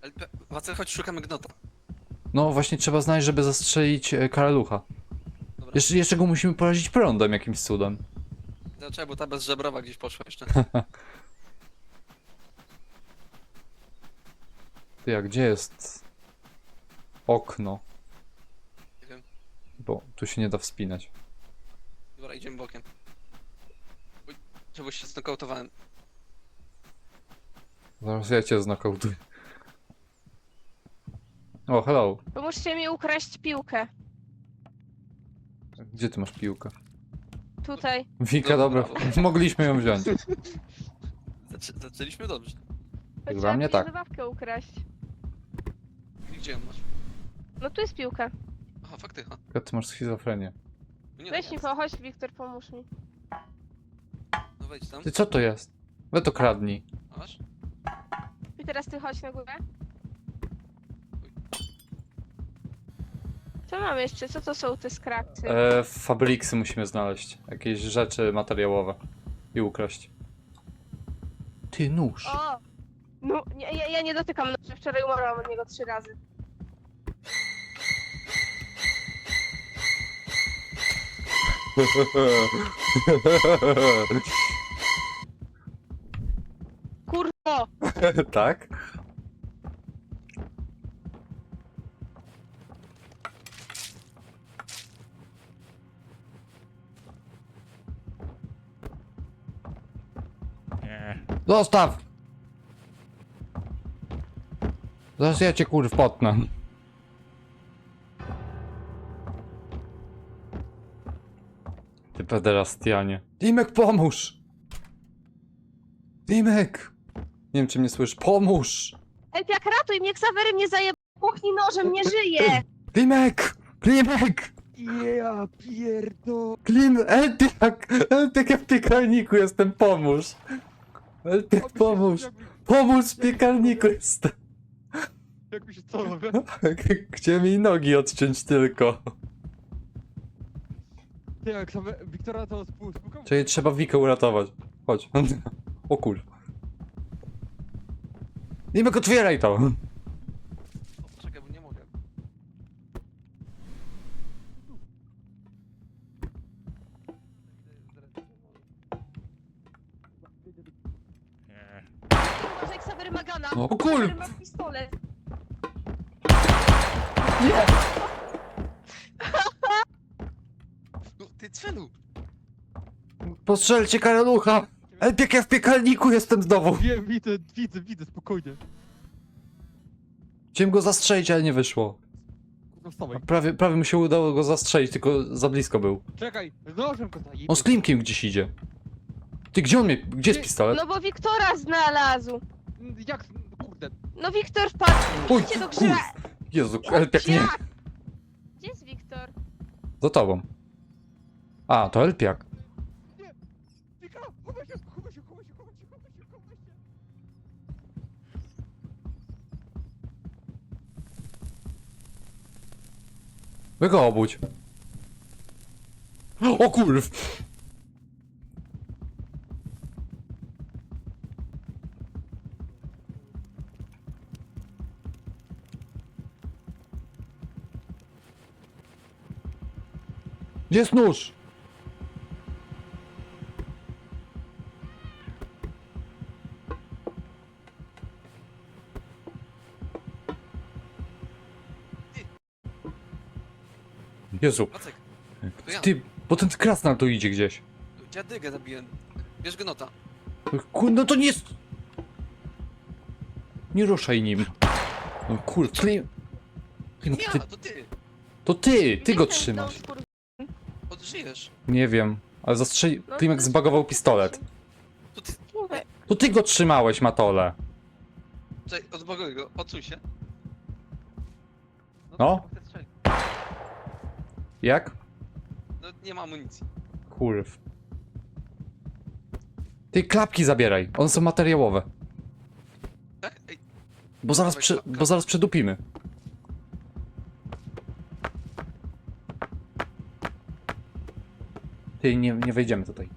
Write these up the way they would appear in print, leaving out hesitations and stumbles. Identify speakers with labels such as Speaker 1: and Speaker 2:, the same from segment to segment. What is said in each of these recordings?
Speaker 1: Wacel, chodź, szukamy gnota.
Speaker 2: No właśnie trzeba znaleźć, żeby zastrzelić karalucha.
Speaker 1: Dobra.
Speaker 2: Jeszcze go musimy porazić prądem jakimś cudem.
Speaker 1: Dlaczego? Bo ta bezżebrowa gdzieś poszła jeszcze.
Speaker 2: Ty, a gdzie jest okno?
Speaker 1: Nie wiem.
Speaker 2: Bo tu się nie da wspinać.
Speaker 1: Dobra, idziemy bokiem. Uj, czegoś się znokautowałem.
Speaker 2: Zaraz ja cię znokautuję. O, hello.
Speaker 3: Pomóżcie mi ukraść piłkę.
Speaker 2: Gdzie ty masz piłkę?
Speaker 3: Tutaj.
Speaker 2: Wika,
Speaker 1: Dobra.
Speaker 2: dobra. Mogliśmy ją wziąć.
Speaker 1: Zaczęliśmy dobrze.
Speaker 2: Jak
Speaker 3: To
Speaker 2: dla mnie
Speaker 3: trzeba
Speaker 2: tak.
Speaker 3: zabawkę ukraść.
Speaker 1: I gdzie ją masz?
Speaker 3: No tu jest piłka.
Speaker 1: Aha, faktycha.
Speaker 2: Ty masz schizofrenię.
Speaker 1: No nie,
Speaker 3: Weź
Speaker 1: no
Speaker 3: mi,
Speaker 1: jest.
Speaker 3: chodź Wiktor, pomóż mi.
Speaker 1: No wejdź tam.
Speaker 2: Ty, co to jest? We to kradnij.
Speaker 1: A masz?
Speaker 3: I teraz ty chodź na górę. Co mam jeszcze? Co to są te skrawcy?
Speaker 2: Fabriksy musimy znaleźć. Jakieś rzeczy materiałowe. I ukraść. Ty, nóż.
Speaker 3: O! No, nie, ja nie dotykam noża. Wczoraj umarłam od niego 3 razy. Kurwo!
Speaker 2: Tak? Zostaw! Zaraz ja cię kurw potnę. Ty pederastianie. Dimek, pomóż! Dimek! Nie wiem, czy mnie słyszysz. Pomóż!
Speaker 3: Elpiak, ratuj mnie! Ksawery mnie zajeb... Puchnij nożem, nie żyje!
Speaker 2: Dimek! Klimek!
Speaker 4: Ja pierdo...
Speaker 2: Elpiak! Elpiak, ja w piekarniku jestem, pomóż! Elpiak, pomóż! Pomóż, w piekarniku jestem!
Speaker 4: Jak mi się co robię?
Speaker 2: Chciałem mi nogi odciąć tylko.
Speaker 4: Ty jak same... Wiktora to spłukał?
Speaker 2: Czyli trzeba Wikę uratować. Chodź. O kur... Dimek, otwieraj to!
Speaker 1: O, poczekaj, bo nie mogę.
Speaker 3: Uważaj, Ksawery ma gana!
Speaker 2: O kur...
Speaker 3: Ksawery ma pistolet!
Speaker 2: Nie!
Speaker 1: No, ty cwelu!
Speaker 2: Postrzelcie karalucha! Elpiak, ja w piekarniku jestem znowu!
Speaker 4: Wiem, widzę, spokojnie.
Speaker 2: Chciałem go zastrzelić, ale nie wyszło.
Speaker 4: No wstawaj.
Speaker 2: Prawie mi się udało go zastrzelić, tylko za blisko był.
Speaker 4: Czekaj, z nożem go zajebie.
Speaker 2: On z Klimkiem gdzieś idzie. Ty, gdzie on mnie... Gdzie jest pistolet?
Speaker 3: No bo Wiktora znalazł!
Speaker 4: Jak... Kurde.
Speaker 3: No Wiktor wpadł!
Speaker 2: Oj,
Speaker 3: Idźcie do grzyba!
Speaker 2: Jezu, Elpiak nie...
Speaker 3: Jak? Gdzie jest Wiktor?
Speaker 2: Za tobą. A, to Elpiak.
Speaker 4: Wika, chowaj się!
Speaker 2: Wy go obudź. O kurw! Gdzie jest nóż? Jezu,
Speaker 1: Wacek, to ja.
Speaker 2: ty, bo ten krasnal tu idzie gdzieś.
Speaker 1: Dziadygę zabiłem. Bierz gnota.
Speaker 2: No to nie jest... Nie ruszaj nim. No kur... Klim... Klim,
Speaker 1: Ja,
Speaker 2: ty...
Speaker 1: to ty!
Speaker 2: To ty
Speaker 3: Gdzie
Speaker 2: go
Speaker 3: ten
Speaker 2: trzymasz.
Speaker 3: dom,
Speaker 1: Odżyjesz.
Speaker 2: Nie wiem, ale zastrzeli...
Speaker 3: No,
Speaker 2: Klimek
Speaker 3: to-
Speaker 2: zbagował pistolet.
Speaker 1: To ty...
Speaker 3: Mówię.
Speaker 2: To ty go trzymałeś, Matole.
Speaker 1: Czekaj, odbaguj go, odsuń się.
Speaker 2: No.
Speaker 1: Chcę strzelić.
Speaker 2: Jak?
Speaker 1: No, nie ma amunicji.
Speaker 2: Kurw. Ty klapki zabieraj, one są materiałowe.
Speaker 1: Tak? Ej,
Speaker 2: Bo zaraz przedupimy. Ty, nie wejdziemy tutaj.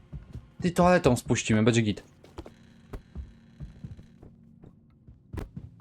Speaker 2: Ty, toaletą spuścimy, będzie git.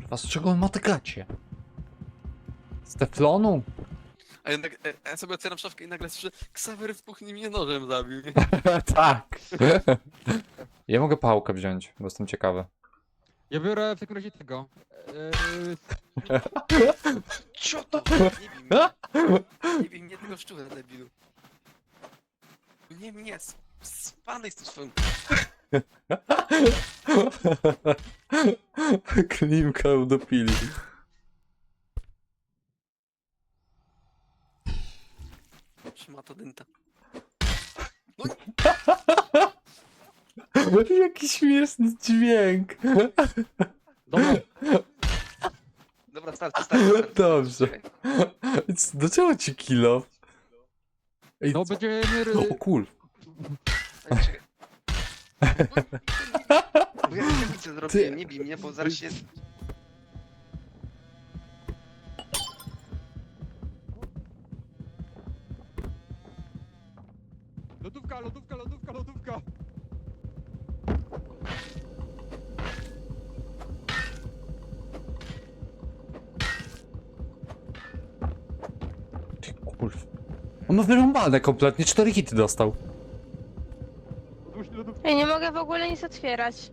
Speaker 2: Kurwa, z czego on ma te gacie? Z teflonu?
Speaker 1: A jednak ja sobie otwieram szafkę i nagle słyszę, Ksawery w kuchni mnie nożem zabił. Nie?
Speaker 2: Tak. Ja mogę pałkę wziąć, bo jestem ciekawy.
Speaker 4: Ja biorę w takim razie tego.
Speaker 1: Co to? Nie bij mnie. Nie bij mnie tego szczura, debilu. Nie mnie, spadaj z tym swoim...
Speaker 2: Klimka udopili.
Speaker 1: Szmato dynta.
Speaker 2: Jaki śmieszny dźwięk.
Speaker 4: Dobra,
Speaker 1: Dobra, starczy.
Speaker 2: Dobrze.
Speaker 1: Czekaj.
Speaker 2: Do czego ci kilo? Ej,
Speaker 4: no będziemy...
Speaker 2: o kur...
Speaker 1: Czekaj. Bo ja nic zrobiłem, nie bij mnie, bo zaraz się...
Speaker 4: Lodówka, lodówka, lodówka, lodówka!
Speaker 2: Ty kurw. On ma wyrąbane kompletnie, 4 hity dostał.
Speaker 3: Ja nie mogę w ogóle nic otwierać.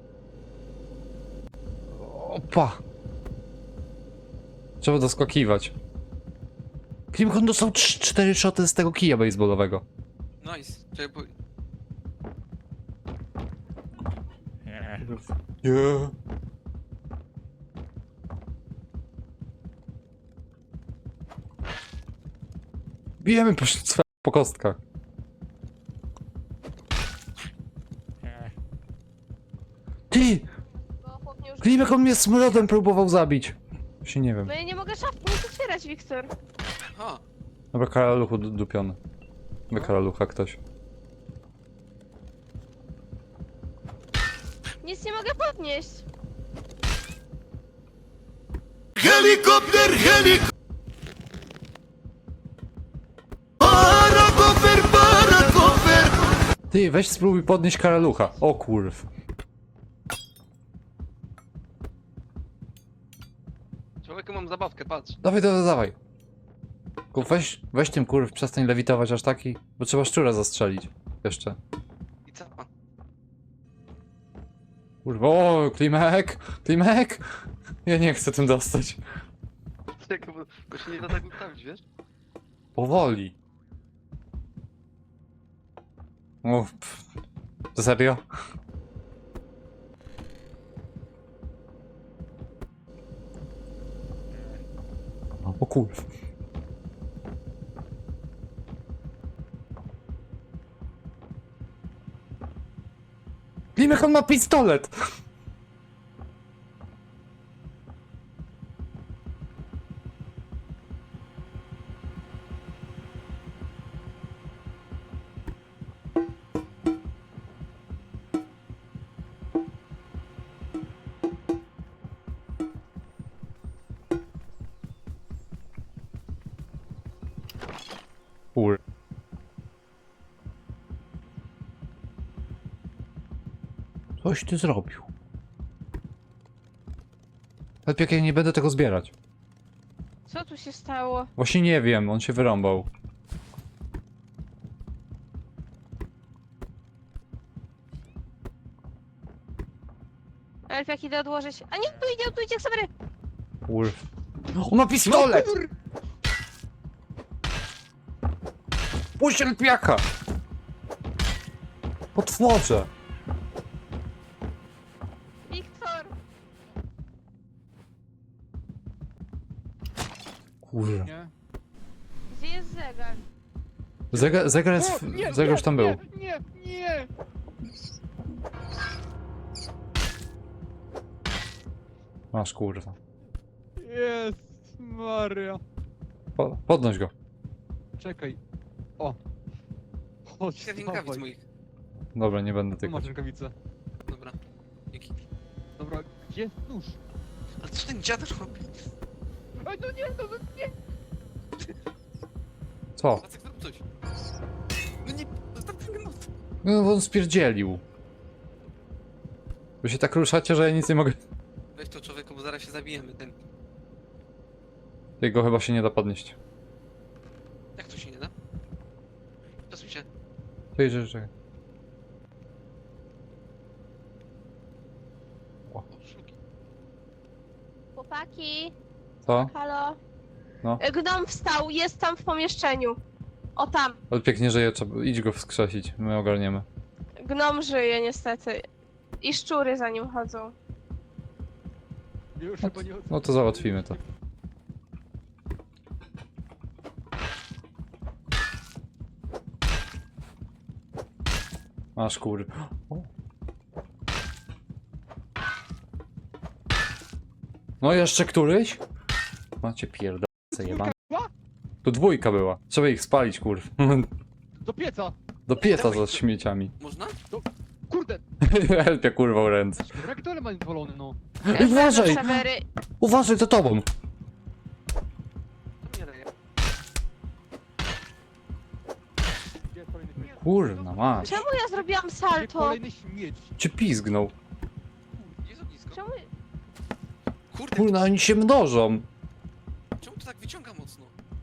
Speaker 2: Opa. Trzeba doskakiwać. Klimkon dostał 4 szoty z tego kija baseballowego.
Speaker 1: Nice. Czekaj, bo...
Speaker 2: Nie. Bijemy po kostkach. Ty!
Speaker 3: Bo chłop mnie już...
Speaker 2: Klimek on mnie smrodem próbował zabić. Się nie wiem.
Speaker 3: No ja nie mogę szafki nic otwierać, Wiktor.
Speaker 1: A,
Speaker 2: Dobra, karaluchu dupiony. Wy karalucha ktoś.
Speaker 3: Nic nie mogę podnieść.
Speaker 5: Helikopter, helikopter! Parakofer, parakofer!
Speaker 2: Ty, weź spróbuj podnieść karalucha. O kurw.
Speaker 1: człowieku, mam zabawkę, patrz.
Speaker 2: Dawaj, dawaj, dawaj. Tylko weź tym kurw, przestań lewitować aż taki, bo trzeba szczura zastrzelić. Jeszcze.
Speaker 1: I capa.
Speaker 2: Kurwa, o, Klimek! Klimek! Ja nie chcę tym dostać.
Speaker 1: Czekaj, bo się nie da tak ustawić, wiesz?
Speaker 2: Powoli. O, to serio? O kurw. Klimek, on ma pistolet! Kur... Coś ty zrobił. Lepiej jak ja nie będę tego zbierać.
Speaker 3: Co tu się stało?
Speaker 2: Właśnie nie wiem, on się wyrąbał.
Speaker 3: Elf, jak idę odłożyć... A nie, tu idzie, Ksawery!
Speaker 2: Kurw. On ma pistolet! Puść elpiaka! Potworze!
Speaker 3: Wiktor!
Speaker 2: Kurwa.
Speaker 4: Nie.
Speaker 3: Gdzie jest zegar?
Speaker 2: Zegar jest... Zegar już tam był.
Speaker 4: Nie, nie!
Speaker 2: Masz kurwa.
Speaker 4: Jest Maria.
Speaker 2: Podnoś go.
Speaker 4: Czekaj. O. Chodź,
Speaker 1: Kilka rękawic
Speaker 4: dawaj.
Speaker 1: moich.
Speaker 2: Dobra, nie będę
Speaker 4: Tu
Speaker 2: tykać.
Speaker 4: masz rękawice.
Speaker 1: Dobra. Dzięki.
Speaker 4: Dobra, gdzie jest nóż?
Speaker 1: Ale co ten dziad robi?
Speaker 4: Ej, no nie, no nie!
Speaker 2: Co?
Speaker 1: Jacek, zrób coś. No nie, zostaw ten gnot.
Speaker 2: No on spierdzielił. Wy się tak ruszacie, że ja nic nie mogę...
Speaker 1: Weź to, człowieku, bo zaraz się zabije. zabijemy ten.
Speaker 2: Jego chyba się nie da podnieść.
Speaker 1: Jak to się nie da? Przesuń się.
Speaker 2: Czekaj.
Speaker 1: O, szluki.
Speaker 3: Chłopaki,
Speaker 2: Co?
Speaker 3: halo?
Speaker 2: No.
Speaker 3: Gnom wstał, jest tam w pomieszczeniu. O tam.
Speaker 2: Ale pięknie żyje, trzeba... idź go wskrzesić, my ogarniemy.
Speaker 3: Gnom żyje niestety. I szczury za nim chodzą.
Speaker 4: Już chyba nie
Speaker 2: No to załatwimy to. Masz kur... O. No jeszcze któryś? Macie pierdolce jebane. Tu dwójka była. Trzeba ich spalić, kurw.
Speaker 4: Do pieca!
Speaker 2: Do pieca za śmieciami.
Speaker 1: Można?
Speaker 4: Kurde!
Speaker 2: Helpia kurwa w ręce.
Speaker 4: Reaktorem ma zwolony, no.
Speaker 2: Uważaj!
Speaker 3: Sewery.
Speaker 2: Uważaj, za tobą!
Speaker 1: To mnie leje.
Speaker 4: Gdzie jest kolejny śmieć?
Speaker 2: Kurna, masz.
Speaker 3: Czemu ja zrobiłam
Speaker 4: Gdzie
Speaker 3: salto?
Speaker 4: kolejny śmieć?
Speaker 2: Cię pizgnął.
Speaker 1: Jest ognisko.
Speaker 3: Czemu...
Speaker 1: Kurde,
Speaker 2: Kurna, oni się mnożą.
Speaker 1: czemu to tak wyciąga mocno?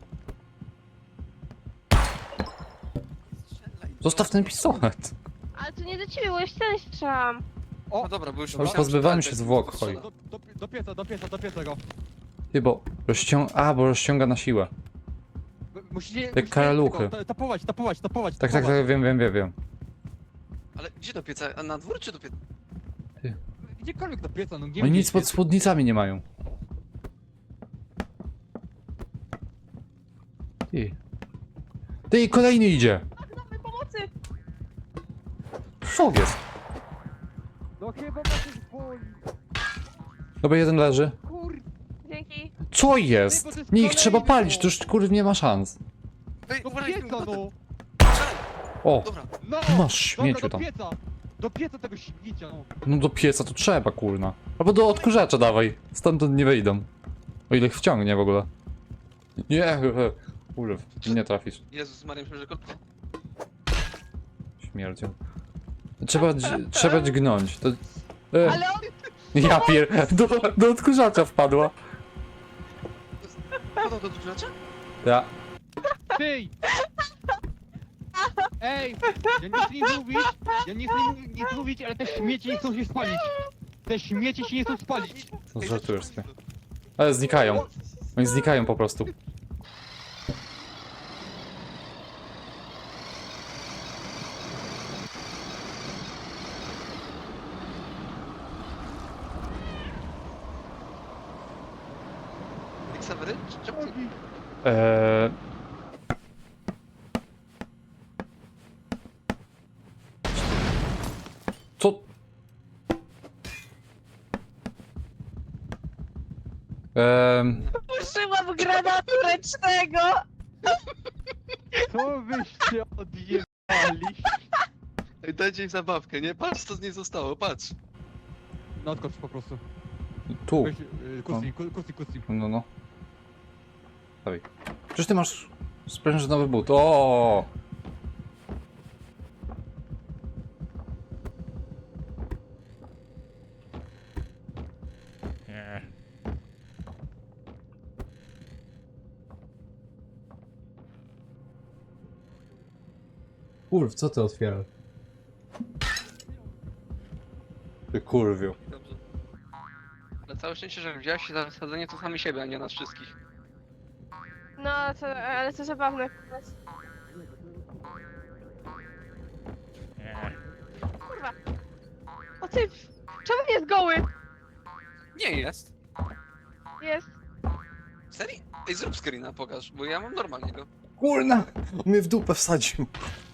Speaker 1: Strzelaj.
Speaker 2: Zostaw ten pistolet.
Speaker 3: Ale to nie do ciebie, bo jeszcze nie strzelam.
Speaker 1: No dobra, bo już
Speaker 2: Ale
Speaker 1: myślałem,
Speaker 2: pozbywałem
Speaker 1: że
Speaker 2: się
Speaker 1: tak
Speaker 2: zwłok,
Speaker 1: strzela.
Speaker 2: chodź.
Speaker 4: Do pieca go.
Speaker 2: Ty, bo bo rozciąga na siłę.
Speaker 4: Musicie...
Speaker 2: karaluchy.
Speaker 4: Tapować.
Speaker 2: Tak, wiem.
Speaker 1: Ale gdzie do pieca? A na dwór czy do pieca?
Speaker 4: Gdziekolwiek do pieca, no gdzie
Speaker 2: Oni nic
Speaker 4: widzicie?
Speaker 2: pod spódnicami nie mają. Ty, kolejny idzie.
Speaker 3: Gnomy, pomocy!
Speaker 2: Co jest?
Speaker 4: No chyba ma coś boli.
Speaker 2: Dobra, jeden leży.
Speaker 4: Kur...
Speaker 3: Dzięki.
Speaker 2: Co jest?
Speaker 4: Ty, bo to jest
Speaker 2: Nie, ich trzeba
Speaker 4: kolejny,
Speaker 2: palić,
Speaker 4: no.
Speaker 2: to już kurw nie ma szans.
Speaker 1: Ej,
Speaker 4: Do
Speaker 1: uważaj z tym
Speaker 4: pieca,
Speaker 1: kotem.
Speaker 4: no!
Speaker 1: Strzelaj.
Speaker 2: O,
Speaker 1: Dobra,
Speaker 4: No!
Speaker 2: masz śmieciu
Speaker 4: Dobra,
Speaker 2: tam.
Speaker 4: do pieca tego śmiecia, no.
Speaker 2: No do pieca to trzeba, kurna. Albo do odkurzacza dawaj. Stamtąd nie wyjdą. O ile ich wciągnie w ogóle. Nie, kurw, nie trafisz.
Speaker 1: Jezus Maria, myślę, że kot...
Speaker 2: Śmierdzią. Trzeba dźgnąć. To...
Speaker 3: Ale on...
Speaker 2: Ja do odkurzacza wpadła.
Speaker 1: Podał do dużacza?
Speaker 2: Ja.
Speaker 4: Ty! Ej! Ja nie chcę nic mówić, ale te śmieci nie chcą się spalić. Te śmieci się nie chcą spalić.
Speaker 2: No,
Speaker 1: Ej,
Speaker 2: żartujesz
Speaker 1: zatrzymaj
Speaker 2: sobie.
Speaker 1: to.
Speaker 2: Ale znikają. Oni znikają po prostu.
Speaker 1: Xavery? Czemu ty...
Speaker 2: Eee... Co?
Speaker 3: Użyłam granatu ręcznego!
Speaker 4: Co wyście odjebali?
Speaker 1: Ej, dajcie im zabawkę, nie? Patrz, co z niej zostało, patrz.
Speaker 4: No odkocz po prostu.
Speaker 2: Tu.
Speaker 4: Weź, kusi.
Speaker 2: No. Dawaj. Przecież ty masz sprężynowy but. O! Kurw, co ty otwierasz? Ty kurwiu.
Speaker 1: Dobrze. Ale całe szczęście, że wziąłeś się za wsadzenie to sami siebie, a nie nas wszystkich.
Speaker 3: No, ale to zabawne. Kurwa. O ty! Czemu nie jest goły?
Speaker 1: Nie jest.
Speaker 3: Jest.
Speaker 1: Serio? Ej, zrób screena, pokaż, bo ja mam normalnie go.
Speaker 2: Kurna! On mnie w dupę wsadził.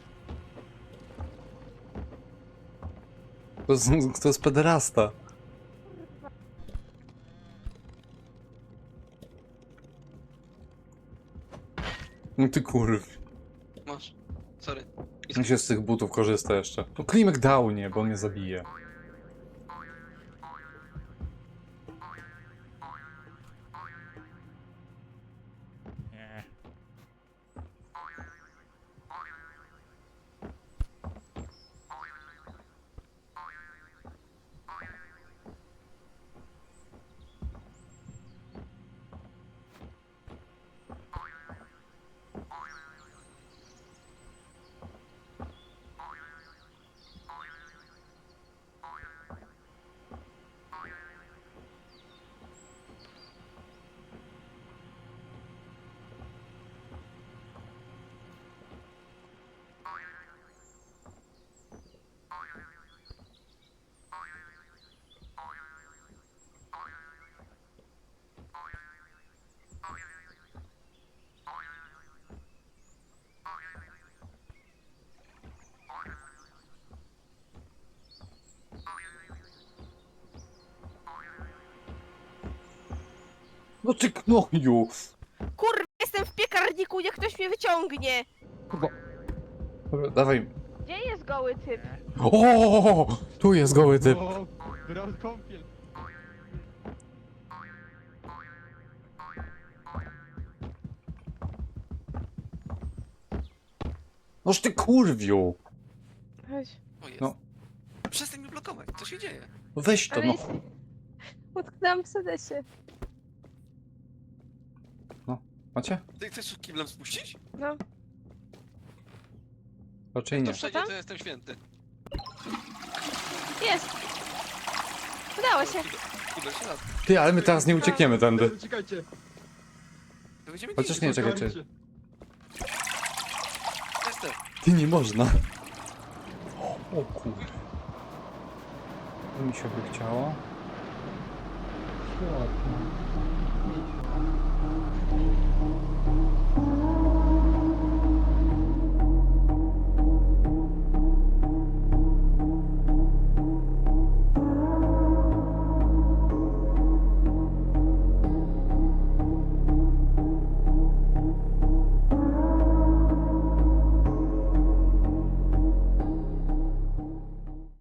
Speaker 2: To jest pederasta. No ty kurw.
Speaker 1: Masz. Sorry.
Speaker 2: Jak się z tych butów korzysta jeszcze? To Klimek dał nie, bo on mnie zabije. No ty gnoju!
Speaker 3: Kurwa, jestem w piekarniku, niech ktoś mnie wyciągnie!
Speaker 4: Kurwa.
Speaker 2: Dobra, dawaj.
Speaker 3: Gdzie jest goły typ?
Speaker 2: O, tu jest goły typ.
Speaker 4: O, teraz kąpiel.
Speaker 2: Noż ty kurwiu!
Speaker 3: Chodź.
Speaker 1: O jest.
Speaker 2: No.
Speaker 1: Przestań mnie blokować, co się dzieje?
Speaker 2: No weź to,
Speaker 3: Ale
Speaker 2: no.
Speaker 3: jest... Utknęłam w sedesie.
Speaker 2: Macie?
Speaker 1: Ty chcesz kiblem spuścić?
Speaker 3: No.
Speaker 2: Raczej
Speaker 1: To
Speaker 2: nie.
Speaker 1: przejdzie,
Speaker 3: tam?
Speaker 1: to jestem święty.
Speaker 3: Jest! Udało się.
Speaker 1: Kibel się lat.
Speaker 2: Ty, ale my teraz nie uciekniemy tędy.
Speaker 6: Uciekajcie.
Speaker 1: To będziemy
Speaker 2: Chociaż
Speaker 1: gdzieś.
Speaker 2: nie, czekaj, czekaj.
Speaker 1: Jestem.
Speaker 2: Ty, nie można. O kurde. To mi się by chciało. Ładnie.